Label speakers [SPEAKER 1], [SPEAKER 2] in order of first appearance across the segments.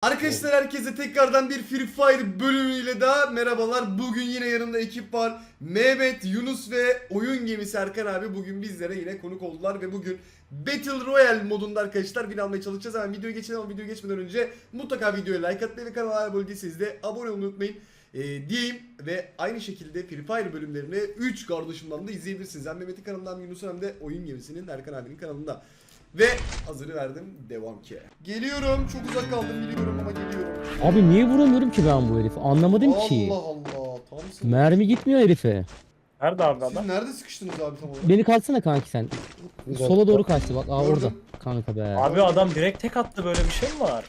[SPEAKER 1] Arkadaşlar herkese tekrardan bir Free Fire bölümüyle daha merhabalar. Bugün yine yanımda ekip var. Mehmet, Yunus ve oyun gemisi Erkan abi bugün bizlere yine konuk oldular ve bugün Battle Royale modunda arkadaşlar win almaya çalışacağız. Hemen videoya geçelim ama videoya geçmeden önce mutlaka videoya like atmayı ve kanala abone değilseniz de abone olmayı unutmayın. Diyeyim ve aynı şekilde Free Fire bölümlerini 3 kardeşimden de izleyebilirsiniz. Hem Mehmet'in kanalından hem Yunus'un hem de oyun gemisinin Erkan abinin kanalında. Ve hazırı verdim, devam ki. Geliyorum, çok uzak kaldım biliyorum ama geliyorum.
[SPEAKER 2] Abi niye vuramıyorum ki ben bu herifi? Anlamadım ki.
[SPEAKER 1] Allah Allah, tamsın.
[SPEAKER 2] Mermi gitmiyor herife.
[SPEAKER 3] Nerede abi
[SPEAKER 1] Siz
[SPEAKER 3] adam?
[SPEAKER 1] nerede sıkıştınız abi tam olarak?
[SPEAKER 2] Beni kalsana kanki sen. Sola doğru kaçtı bak. Aa
[SPEAKER 1] Gördüm.
[SPEAKER 2] orada. Kanka be.
[SPEAKER 3] Abi adam direkt tek attı, böyle bir şey mi var?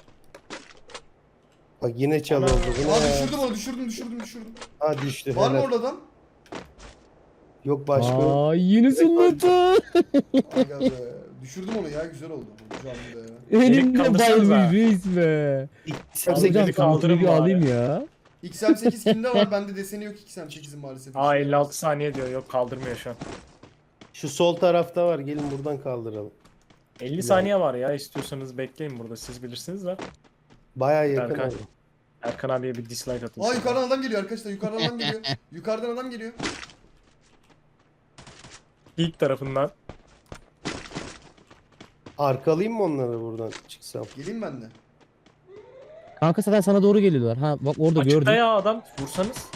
[SPEAKER 4] Bak yine çalıyor bu.
[SPEAKER 1] Aa düşürdüm onu, düşürdüm.
[SPEAKER 4] Ha düştü.
[SPEAKER 1] Var mı
[SPEAKER 4] helal.
[SPEAKER 1] orada adam?
[SPEAKER 4] Yok başka.
[SPEAKER 2] Aa yine zılladı.
[SPEAKER 1] Aga be, düşürdüm onu ya, güzel oldu. Canlı be.
[SPEAKER 2] Elimde
[SPEAKER 3] kaldırsanıza.
[SPEAKER 2] bayılmış reis be.
[SPEAKER 4] İkisi
[SPEAKER 2] Hocam
[SPEAKER 3] kaldırın
[SPEAKER 2] bir
[SPEAKER 3] bari.
[SPEAKER 2] alayım ya.
[SPEAKER 1] XM8 kimde var? Bende deseni yok XM8'in maalesef.
[SPEAKER 3] Aa 56 saniye diyor, yok kaldırmıyor şu an.
[SPEAKER 4] Şu sol tarafta var. Gelin buradan kaldıralım.
[SPEAKER 3] 50 saniye var ya, istiyorsanız bekleyin burada, siz bilirsiniz de.
[SPEAKER 4] Baya yakın
[SPEAKER 3] Erkan.
[SPEAKER 4] oldu.
[SPEAKER 3] Erkan abiye bir dislike atın.
[SPEAKER 1] Aa yukarıdan adam geliyor arkadaşlar, yukarıdan adam geliyor. Yukarıdan adam geliyor.
[SPEAKER 3] İlk tarafından.
[SPEAKER 4] Arkalayayım mı onları buradan çıksam?
[SPEAKER 1] Geleyim ben de.
[SPEAKER 2] Kanka zaten sana doğru geliyorlar. Ha bak orada
[SPEAKER 3] Açıkta
[SPEAKER 2] gördüm.
[SPEAKER 3] ya adam, vursanız.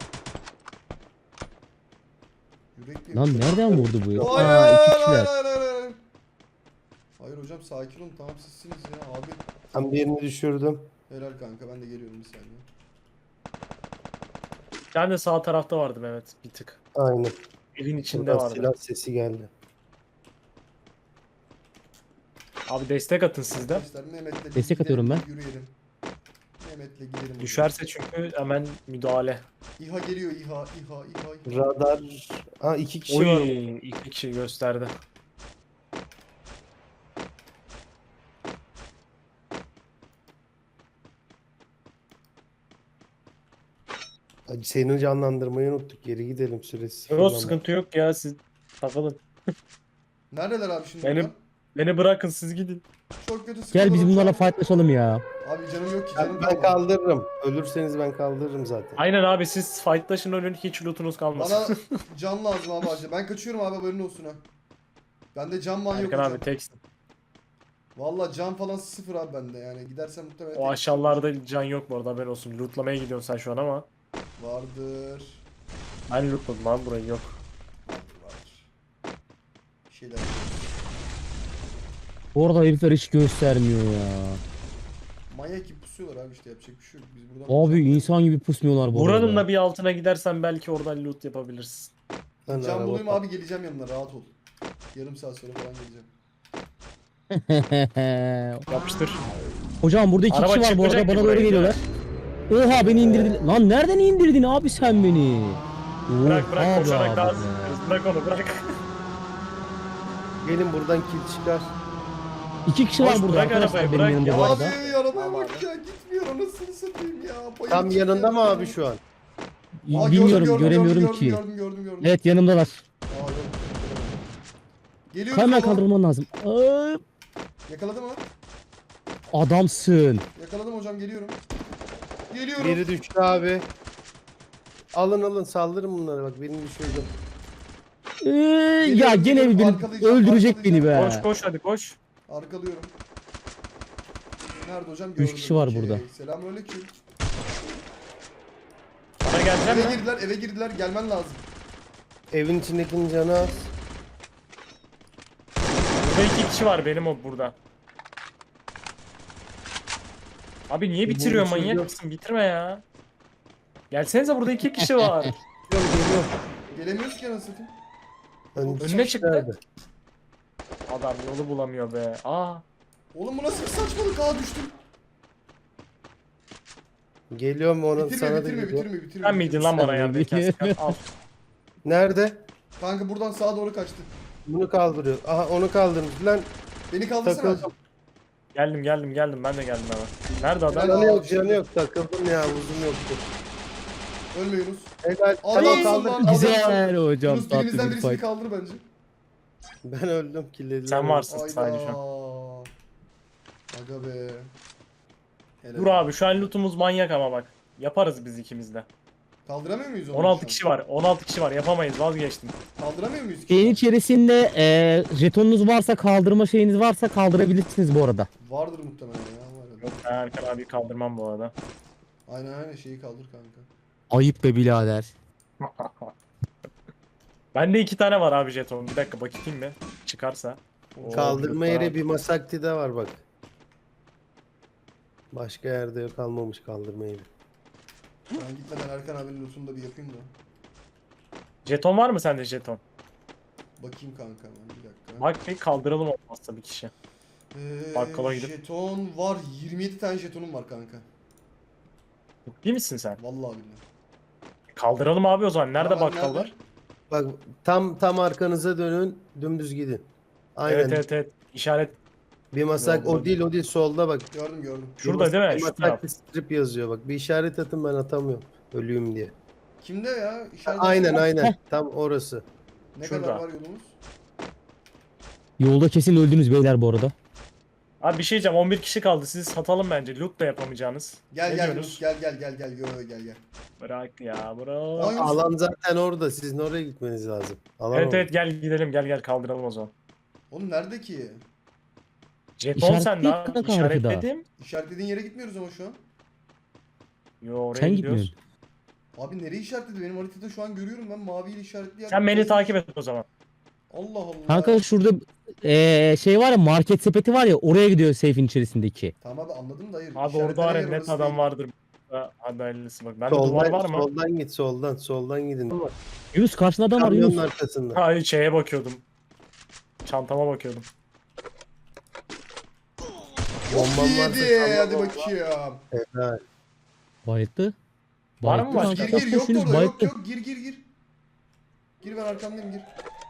[SPEAKER 1] Yürekli.
[SPEAKER 2] Lan nereden vurdu bu ya?
[SPEAKER 1] Hayır,
[SPEAKER 2] Aa iki
[SPEAKER 1] hayır,
[SPEAKER 2] kişiler.
[SPEAKER 1] hayır. Hayır hocam, sakin olun, tamam sizsiniz ya abi.
[SPEAKER 4] Ben birini düşürdüm.
[SPEAKER 1] Helal kanka, ben de geliyorum bir saniye.
[SPEAKER 3] Ben de sağ tarafta vardım, evet, bir tık.
[SPEAKER 4] Aynen.
[SPEAKER 3] Evin içinde
[SPEAKER 4] Buradan
[SPEAKER 3] vardı.
[SPEAKER 4] silah sesi geldi.
[SPEAKER 3] Abi destek atın sizden.
[SPEAKER 1] Arkadaşlar Mehmet'le bir
[SPEAKER 2] Destek atıyorum ben.
[SPEAKER 1] Yürüyelim. Mehmet'le gidelim.
[SPEAKER 3] Düşerse çünkü hemen müdahale.
[SPEAKER 1] İHA geliyor, İHA.
[SPEAKER 4] Radar. Ha iki kişi
[SPEAKER 3] Oy,
[SPEAKER 4] var.
[SPEAKER 3] iki kişi gösterdi.
[SPEAKER 4] Hadi seni canlandırmayı unuttuk. Geri gidelim süresi.
[SPEAKER 3] Yok sıkıntı yok ya, siz takılın.
[SPEAKER 1] Neredeler abi şimdi?
[SPEAKER 3] Benim-
[SPEAKER 1] bunlar?
[SPEAKER 3] Beni bırakın, siz gidin.
[SPEAKER 1] Çok kötü sıkıldım.
[SPEAKER 2] Gel biz bunlarla fightlaşalım ya.
[SPEAKER 1] Abi canım yok ki, canım
[SPEAKER 4] Ben kaldırırım. Ölürseniz ben kaldırırım zaten.
[SPEAKER 3] Aynen abi, siz fightlaşın, ölün, hiç lootunuz kalmasın.
[SPEAKER 1] Bana can lazım abi acil. Ben kaçıyorum abi, haberin olsun ha. Bende can man yok
[SPEAKER 3] Erkan
[SPEAKER 1] hocam.
[SPEAKER 3] abi teksin.
[SPEAKER 1] Valla can falan sıfır abi bende, yani gidersem muhtemelen
[SPEAKER 3] O
[SPEAKER 1] tek-
[SPEAKER 3] aşağılarda can yok bu arada, haberin olsun. Lootlamaya gidiyorsun sen şu an ama.
[SPEAKER 1] Vardır.
[SPEAKER 3] Ben lootladım abi, burayı yok.
[SPEAKER 1] Vardır. Bir şeyler.
[SPEAKER 2] Orada herifler hiç göstermiyor ya.
[SPEAKER 1] Manyak gibi pusuyorlar abi, işte yapacak bir şey yok. Biz buradan
[SPEAKER 2] Abi insan gibi pusmuyorlar bu
[SPEAKER 3] Buranın
[SPEAKER 2] arada.
[SPEAKER 3] da bir altına gidersen belki oradan loot yapabilirsin.
[SPEAKER 4] Ben
[SPEAKER 1] can
[SPEAKER 4] araba
[SPEAKER 1] bulayım
[SPEAKER 4] kal-
[SPEAKER 1] abi, geleceğim yanına, rahat ol. Yarım saat sonra falan geleceğim.
[SPEAKER 3] Yapıştır.
[SPEAKER 2] Hocam burada iki
[SPEAKER 3] Araba
[SPEAKER 2] kişi var bu arada
[SPEAKER 3] çıkmayacak ki
[SPEAKER 2] bana doğru
[SPEAKER 3] buraya.
[SPEAKER 2] geliyorlar. Oha beni indirdin. Lan nereden indirdin abi sen beni?
[SPEAKER 3] Bırak bırak,
[SPEAKER 2] Oha
[SPEAKER 3] koşarak
[SPEAKER 2] be
[SPEAKER 3] daha
[SPEAKER 2] abi be.
[SPEAKER 3] hızlı. Bırak onu, bırak.
[SPEAKER 4] Gelin buradan kill çıkar.
[SPEAKER 2] İki kişi var
[SPEAKER 3] Boş
[SPEAKER 2] burada
[SPEAKER 3] bırak
[SPEAKER 2] arkadaşlar
[SPEAKER 3] arabayı,
[SPEAKER 2] benim
[SPEAKER 3] bırak
[SPEAKER 2] yanımda
[SPEAKER 3] ya.
[SPEAKER 2] bu
[SPEAKER 1] Abi
[SPEAKER 2] arada.
[SPEAKER 1] arabaya
[SPEAKER 3] Tamam
[SPEAKER 1] bak
[SPEAKER 3] abi.
[SPEAKER 1] ya, gitmiyor anasını satayım ya. Bayılacak
[SPEAKER 4] Tam yanında mı
[SPEAKER 1] ya.
[SPEAKER 4] abi şu an?
[SPEAKER 1] Aa,
[SPEAKER 2] Bilmiyorum göremiyorum
[SPEAKER 1] gördüm,
[SPEAKER 2] ki.
[SPEAKER 1] Gördüm.
[SPEAKER 2] Evet yanımdalar.
[SPEAKER 1] Aa, gördüm. Geliyorum.
[SPEAKER 2] Hemen
[SPEAKER 1] baba.
[SPEAKER 2] kaldırman lazım. Aa,
[SPEAKER 1] Yakaladım mı?
[SPEAKER 2] adamsın.
[SPEAKER 1] Yakaladım hocam, geliyorum. Geliyorum.
[SPEAKER 4] Biri düştü abi. Alın saldırın bunları, bak birini düşürdüm.
[SPEAKER 2] Ya gene beni
[SPEAKER 1] Arkalayacağım,
[SPEAKER 2] öldürecek beni be.
[SPEAKER 3] Koş koş, hadi koş.
[SPEAKER 1] Arkalıyorum. Nerede hocam?
[SPEAKER 2] Üç kişi var
[SPEAKER 1] Okey.
[SPEAKER 2] burada.
[SPEAKER 1] Selamünaleyküm.
[SPEAKER 3] Bana geleceğim mi?
[SPEAKER 1] Eve girdiler, gelmen lazım.
[SPEAKER 4] Evin içindekinin canı az.
[SPEAKER 3] Burada iki kişi var benim, o burada. Abi niye bitiriyor,
[SPEAKER 4] Bu
[SPEAKER 3] manyak
[SPEAKER 4] çocuğu-
[SPEAKER 3] mısın? Bitirme ya. Gelsenize, burada iki kişi var.
[SPEAKER 4] Geliyor.
[SPEAKER 1] Gelemiyoruz ki anasını satayım.
[SPEAKER 3] Önüne çıktı.
[SPEAKER 4] Nerede?
[SPEAKER 3] Adam yolu bulamıyor be. Aa.
[SPEAKER 1] Oğlum bu nasıl bir saçmalık? Aa, düştüm.
[SPEAKER 4] Geliyorum ona sana da
[SPEAKER 1] Bitirme.
[SPEAKER 4] geliyor.
[SPEAKER 3] Sen miydin lan bana
[SPEAKER 2] Sen
[SPEAKER 3] yardım
[SPEAKER 2] miydin?
[SPEAKER 3] ederken? Al.
[SPEAKER 4] Nerede?
[SPEAKER 1] Kanka buradan sağa doğru kaçtı.
[SPEAKER 4] Bunu kaldırıyor. Aha onu kaldırmış lan.
[SPEAKER 1] Beni kaldırsana.
[SPEAKER 4] Takıldım.
[SPEAKER 3] Geldim. Ben de geldim hemen. Nerede adam?
[SPEAKER 1] Helal.
[SPEAKER 4] Canı yok takıldım ya, uzun yoktu.
[SPEAKER 1] Ölme Yunus.
[SPEAKER 4] Helal.
[SPEAKER 1] Adamsın
[SPEAKER 4] Tamam kaldır.
[SPEAKER 1] lan.
[SPEAKER 2] Güzel hocam
[SPEAKER 1] Yunus
[SPEAKER 2] tatlı
[SPEAKER 1] birimizden
[SPEAKER 2] bir
[SPEAKER 1] birisini
[SPEAKER 2] fight.
[SPEAKER 1] kaldır bence.
[SPEAKER 4] Ben öldüm, killediler.
[SPEAKER 3] Sen varsın
[SPEAKER 1] Ayda.
[SPEAKER 3] sadece şu an.
[SPEAKER 1] Aga be. Helal.
[SPEAKER 3] Dur abi şu an lootumuz manyak ama bak. Yaparız biz ikimiz de.
[SPEAKER 1] Kaldıramıyor muyuz onu?
[SPEAKER 3] 16
[SPEAKER 1] şu an?
[SPEAKER 3] kişi var. 16 kişi var. Yapamayız. Vazgeçtim.
[SPEAKER 1] Kaldıramıyor muyuz ki?
[SPEAKER 2] Şeyin içerisinde jetonunuz varsa, kaldırma şeyiniz varsa kaldırabilirsiniz bu arada.
[SPEAKER 1] Vardır muhtemelen ya. Var ya.
[SPEAKER 3] Yok ben Erkan abi kaldırmam bu arada.
[SPEAKER 1] Aynen şeyi kaldır kanka.
[SPEAKER 2] Ayıp be birader.
[SPEAKER 3] Bende 2 tane var abi jeton. Bir dakika bakayım mı? Çıkarsa. Oo,
[SPEAKER 4] Kaldırma
[SPEAKER 3] bir
[SPEAKER 4] yeri
[SPEAKER 3] tane
[SPEAKER 4] bir Masakti'de var bak. Başka yerde yok, kalmamış kaldırma yeri.
[SPEAKER 1] Ben gitmeden Erkan abinin lootunu da bir yapayım da.
[SPEAKER 3] Jeton var mı sende jeton?
[SPEAKER 1] Bakayım kanka ben bir dakika.
[SPEAKER 3] Bak bir kaldıralım olmazsa bir kişi. bakkala gidip-
[SPEAKER 1] Jeton var. 27 tane jetonum var kanka.
[SPEAKER 3] Değil misin sen?
[SPEAKER 1] Vallahi billahi.
[SPEAKER 3] Kaldıralım abi o zaman. Nerede
[SPEAKER 1] Tamam,
[SPEAKER 3] bakkal
[SPEAKER 1] nerede?
[SPEAKER 3] var?
[SPEAKER 4] Bak tam arkanıza dönün, dümdüz gidin. Aynen.
[SPEAKER 3] Evet. İşaret.
[SPEAKER 4] Bir masak
[SPEAKER 3] Yolda.
[SPEAKER 4] o değil solda bak.
[SPEAKER 1] Gördüm.
[SPEAKER 3] Şurada değil mi?
[SPEAKER 4] Bir
[SPEAKER 3] Şu taraf.
[SPEAKER 4] Masakti strip yazıyor bak. Bir işaret atın, ben atamıyorum. Ölüyüm diye.
[SPEAKER 1] Kimde ya? İşaret
[SPEAKER 4] Aynen. Tam orası.
[SPEAKER 1] Ne
[SPEAKER 3] Şurada.
[SPEAKER 1] kadar var yolumuz?
[SPEAKER 2] Yolda kesin öldünüz beyler bu arada.
[SPEAKER 3] Abi bir şey diyeceğim. 11 kişi kaldı. Sizi satalım bence. Loot da yapamayacağınız.
[SPEAKER 1] Gel
[SPEAKER 3] Ne
[SPEAKER 1] gel
[SPEAKER 3] diyorsunuz?
[SPEAKER 1] Yunus, gel. Gel.
[SPEAKER 3] Bırak ya bırak.
[SPEAKER 1] Ay,
[SPEAKER 4] Alan zaten orada. Sizin oraya gitmeniz lazım. Alan
[SPEAKER 3] Evet
[SPEAKER 4] orada.
[SPEAKER 3] evet gel gidelim gel kaldıralım o zaman.
[SPEAKER 1] Oğlum nerede ki?
[SPEAKER 3] Jeton
[SPEAKER 2] İşaret
[SPEAKER 3] sende
[SPEAKER 2] değil
[SPEAKER 3] abi.
[SPEAKER 2] kanka
[SPEAKER 3] İşaretledim.
[SPEAKER 1] İşaretlediğin yere gitmiyoruz ama şu an.
[SPEAKER 3] Yo oraya
[SPEAKER 2] Sen
[SPEAKER 3] gidiyoruz.
[SPEAKER 2] gitmiyorsun.
[SPEAKER 1] Abi nereye işaretledi? Benim haritada şu an görüyorum ben maviyle işaretli yer.
[SPEAKER 3] Sen beni takip et o zaman.
[SPEAKER 1] Allah Allah.
[SPEAKER 2] Kanka şurada şey var ya, market sepeti var ya, oraya gidiyor safe'in içerisindeki.
[SPEAKER 1] Tamam abi anladım da hayır.
[SPEAKER 3] Abi
[SPEAKER 1] İşaretlenen
[SPEAKER 3] orada var ya
[SPEAKER 1] yer
[SPEAKER 3] net
[SPEAKER 1] orası
[SPEAKER 3] adam
[SPEAKER 1] değil.
[SPEAKER 3] vardır. Hadi hayırlısı bak. Bende duvar var mı?
[SPEAKER 4] Soldan git, soldan gidin.
[SPEAKER 2] Yunus karşında adam var
[SPEAKER 4] Kamyonun
[SPEAKER 2] Yunus.
[SPEAKER 4] arkasında.
[SPEAKER 3] Hayır şeye bakıyordum. Çantama bakıyordum.
[SPEAKER 4] Bombam varsa
[SPEAKER 1] Yedi.
[SPEAKER 4] salla
[SPEAKER 1] Hadi
[SPEAKER 4] bomba.
[SPEAKER 1] bakayım.
[SPEAKER 4] Helal.
[SPEAKER 2] Bayıttı.
[SPEAKER 3] Var mı
[SPEAKER 2] Bayıttı
[SPEAKER 3] başka?
[SPEAKER 2] kanka.
[SPEAKER 1] Gir yok
[SPEAKER 2] Yunus,
[SPEAKER 1] orada yok
[SPEAKER 2] bayıttı.
[SPEAKER 1] yok gir. Gir ben arkamdayım gir.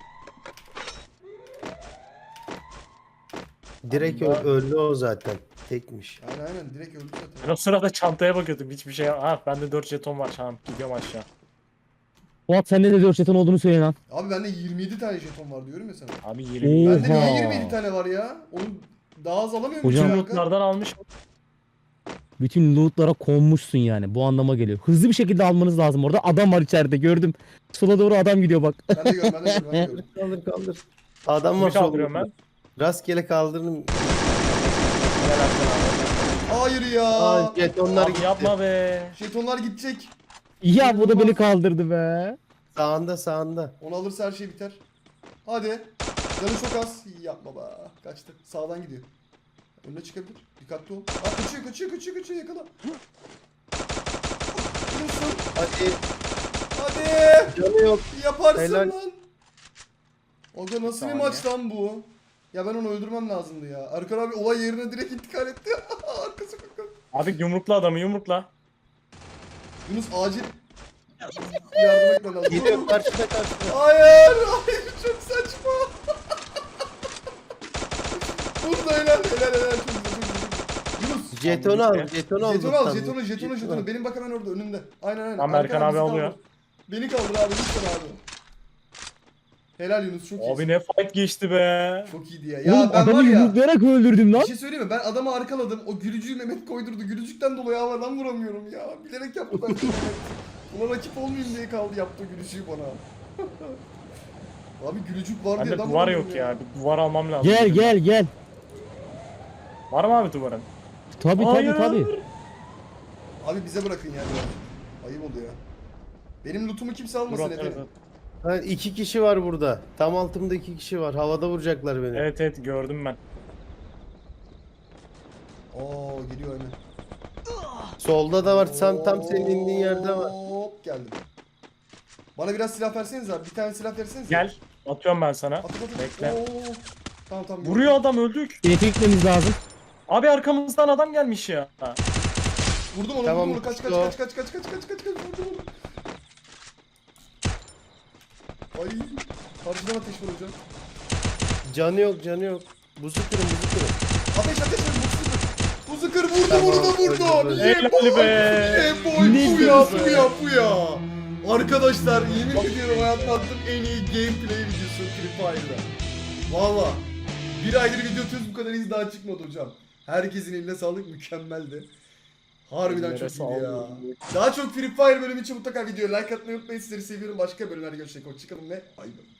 [SPEAKER 4] Direkt
[SPEAKER 3] Allah.
[SPEAKER 4] öldü o zaten. Tekmiş.
[SPEAKER 1] Aynen direkt öldü
[SPEAKER 3] Ben
[SPEAKER 1] zaten.
[SPEAKER 3] o sırada çantaya bakıyordum. Hiçbir şey. Ha bende 4 jeton var. Tamam gidiyorum aşağı.
[SPEAKER 2] Fuat sende de 4 jeton olduğunu söyle lan.
[SPEAKER 1] Abi bende 27 tane jeton var diyorum ya sana.
[SPEAKER 3] Abi 20.
[SPEAKER 2] Oo.
[SPEAKER 1] Bende niye
[SPEAKER 2] Oha.
[SPEAKER 1] 27 tane var ya? Onun daha az alamıyor muyum
[SPEAKER 2] Hocam-
[SPEAKER 3] Bütün
[SPEAKER 1] kanka?
[SPEAKER 3] lootlardan almış.
[SPEAKER 2] Bütün lootlara konmuşsun yani. Bu anlama geliyor. Hızlı bir şekilde almanız lazım orada. Adam var içeride gördüm. Sola doğru adam gidiyor bak.
[SPEAKER 1] Ben de gördüm.
[SPEAKER 4] Kaldır. Adam var
[SPEAKER 3] Kimi kaldırıyorum
[SPEAKER 4] solunda.
[SPEAKER 3] ben?
[SPEAKER 4] Rastgele kaldırın.
[SPEAKER 3] Gel Erkan abi.
[SPEAKER 1] Hayır ya.
[SPEAKER 4] Aa, jetonlar
[SPEAKER 3] Abi
[SPEAKER 4] gitti.
[SPEAKER 3] yapma be.
[SPEAKER 1] Jetonlar gidecek.
[SPEAKER 2] Ya bu da beni kaldırdı be.
[SPEAKER 4] Sağında.
[SPEAKER 1] Onu alırsa her şey biter. Hadi. Canı çok az. Yapma be. Kaçtı. Sağdan gidiyor. Önüne çıkabilir. Dikkatli ol. Aa, kaçıyor yakala. Vurursun.
[SPEAKER 4] Hadi.
[SPEAKER 1] Hadi.
[SPEAKER 4] Canı yok.
[SPEAKER 1] Yaparsın
[SPEAKER 4] Helal.
[SPEAKER 1] lan. Aga nasıl bir
[SPEAKER 3] Saniye.
[SPEAKER 1] maç lan bu? Ya ben onu öldürmem lazımdı ya. Erkan abi olay yerine direkt intikal etti. Arkası kanka.
[SPEAKER 3] Abi yumrukla adamı yumrukla.
[SPEAKER 1] Yunus acil yardım etmen lazım.
[SPEAKER 4] Geliyor karşıda.
[SPEAKER 1] Hayır çok saçma. Burada helal çok güzel. Yunus.
[SPEAKER 4] Jetonu al. Jetonu al.
[SPEAKER 1] Jetonu. Benim bak hemen orada önünde. Aynen.
[SPEAKER 3] Tamam, Erkan abi
[SPEAKER 1] bizi
[SPEAKER 3] alıyor.
[SPEAKER 1] kaldır. Beni kaldır abi lütfen abi. Helal Yunus çok iyi.
[SPEAKER 3] Abi ne fight geçti be.
[SPEAKER 1] Çok iyiydi ya.
[SPEAKER 2] Oğlum
[SPEAKER 1] Ya ben var
[SPEAKER 2] adamı
[SPEAKER 1] ya.
[SPEAKER 2] yumruklayarak öldürdüm lan.
[SPEAKER 1] Bir şey söyleyeyim mi? Ben adamı arkaladım. O gülücüğü Mehmet koydurdu. Gülücükten dolayı havadan vuramıyorum ya. Bilerek yaptı ben Mehmet. Buna rakip olmayayım diye kaldı yaptı gülücüğü bana. Abi gülücük var diye
[SPEAKER 3] Bende
[SPEAKER 1] adam
[SPEAKER 3] duvar
[SPEAKER 1] vuramıyorum
[SPEAKER 3] yok ya. Bir duvar almam lazım.
[SPEAKER 2] Gel.
[SPEAKER 3] Var mı abi duvarın?
[SPEAKER 2] Tabi
[SPEAKER 3] Hayır.
[SPEAKER 2] tabi.
[SPEAKER 1] Abi bize bırakın yani. Ayıp oluyor. Benim lootumu kimse almasın
[SPEAKER 3] Dur,
[SPEAKER 1] efendim.
[SPEAKER 3] evet.
[SPEAKER 4] Ha, 2 kişi var burada. Tam altımda 2 kişi var. Havada vuracaklar beni.
[SPEAKER 3] Evet gördüm ben.
[SPEAKER 1] Oo geliyor hemen.
[SPEAKER 4] Solda da var. Tam senin indiğin yerde var.
[SPEAKER 1] Hop geldim. Bana biraz silah verseniz abi. Bir tane silah verseniz.
[SPEAKER 3] Gel. Atıyorum ben sana.
[SPEAKER 1] At.
[SPEAKER 3] Bekle.
[SPEAKER 1] Oo. Tamam.
[SPEAKER 3] Vuruyor adam öldük.
[SPEAKER 2] Elektrik gitmemiz lazım.
[SPEAKER 3] Abi arkamızdan adam gelmiş ya.
[SPEAKER 1] Vurdum onu.
[SPEAKER 4] Tamam,
[SPEAKER 1] Vurdum onu. Kaç.
[SPEAKER 4] o.
[SPEAKER 1] Vurdum onu. Ay. Karşıdan ateş var hocam.
[SPEAKER 4] Canı yok. Buzu kırın.
[SPEAKER 1] Ateş. Buzu kır. Vurdu
[SPEAKER 4] Tamam,
[SPEAKER 1] onu da vurdu.
[SPEAKER 4] öldü.
[SPEAKER 3] Helal be.
[SPEAKER 1] Bu ya. Arkadaşlar yemin ediyorum hayatımda attığım en iyi gameplay videosu Free Fire'da. Valla. Bir aydır video atıyoruz bu kadar iz daha çıkmadı hocam. Herkesin eline sağlık mükemmeldi. Harbiden
[SPEAKER 3] Neresi
[SPEAKER 1] çok iyiydi ya.
[SPEAKER 3] almıyor?
[SPEAKER 1] Daha çok Free Fire bölümü için mutlaka videoya like atmayı unutmayın. Sizleri seviyorum. Başka bölümlerde görüşmek üzere. Hoşçakalın ve bay bay.